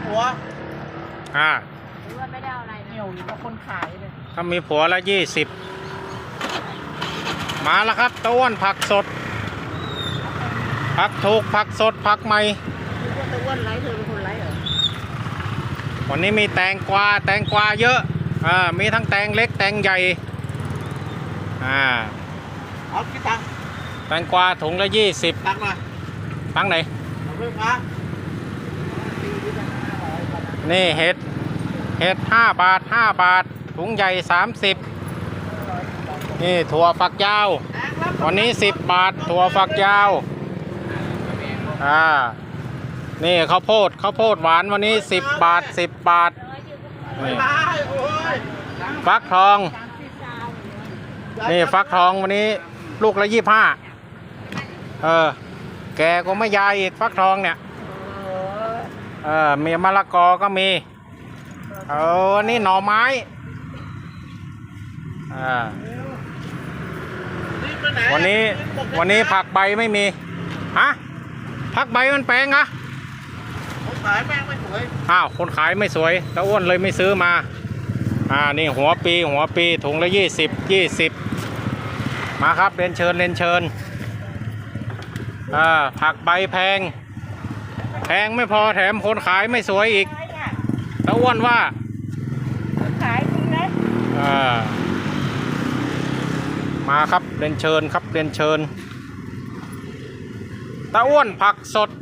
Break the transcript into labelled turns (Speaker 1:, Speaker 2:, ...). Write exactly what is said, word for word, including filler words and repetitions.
Speaker 1: ผัว
Speaker 2: อ่า
Speaker 3: หรือว่าไม่ได้เอาอะไรนะ
Speaker 1: เหี่ยวอยู่กับคนขายเลย
Speaker 2: ถ้ามีผัวละยี่สิบมาแล้วครับตะอ้วนผักสดผักถูกผักสดผักใหม่
Speaker 1: คือว่าตะอ้วนไร้เธอเป็นคนไร้เหรอ
Speaker 2: วันนี้มีแตงกวาแตงกวาเยอะอ่ามีทั้งแตงเล็กแตงใหญ่อ่า
Speaker 1: เอาคิดตังค์
Speaker 2: แตงกวาถุงละยี่สิบ
Speaker 1: ตังค์มา
Speaker 2: ตั้งไหน
Speaker 1: เอาเรื่องมา
Speaker 2: นี่เห็ดเห็ดห้าบาทห้าบาทถุงใหญ่สามสิบนี่ถั่วฝักยาววันนี้สิบบาทถั่วฝักยาวอ่านี่ข้าวโพดข้าวโพดหวานวันนี้สิบบาทสิบบาท
Speaker 1: ไม่
Speaker 2: นี่
Speaker 1: ได้โอ้ย
Speaker 2: ฟักทองนี่ฟักทองวันนี้ลูกละยี่ห้าเออแกก็ไม่ยายอีกฟักทองเนี่ยเออมีมะละกอก็มีเออนี่หน่อไม้อ่า
Speaker 1: นี่ไปไหน
Speaker 2: วันนี้วันนี้ผักใบไม่มีฮะผักใบมันแพงอะ
Speaker 1: ผมขายแม่งไม่สวย
Speaker 2: อ้าวคนขายไม่สวยตะอ้วนเลยไม่ซื้อมาอ่านี่หัวปีหัวปีถุงละยี่สิบยี่สิบมาครับเรียนเชิญเรียนเชิญอ่าผักใบแพงแพงไม่พอแถมคนขายไม่สวยอีกตะอ้วนว่า
Speaker 3: ขายจริงนะ
Speaker 2: อ่ามาครับเรียนเชิญครับเรียนเชิญตะอ้วนผักสด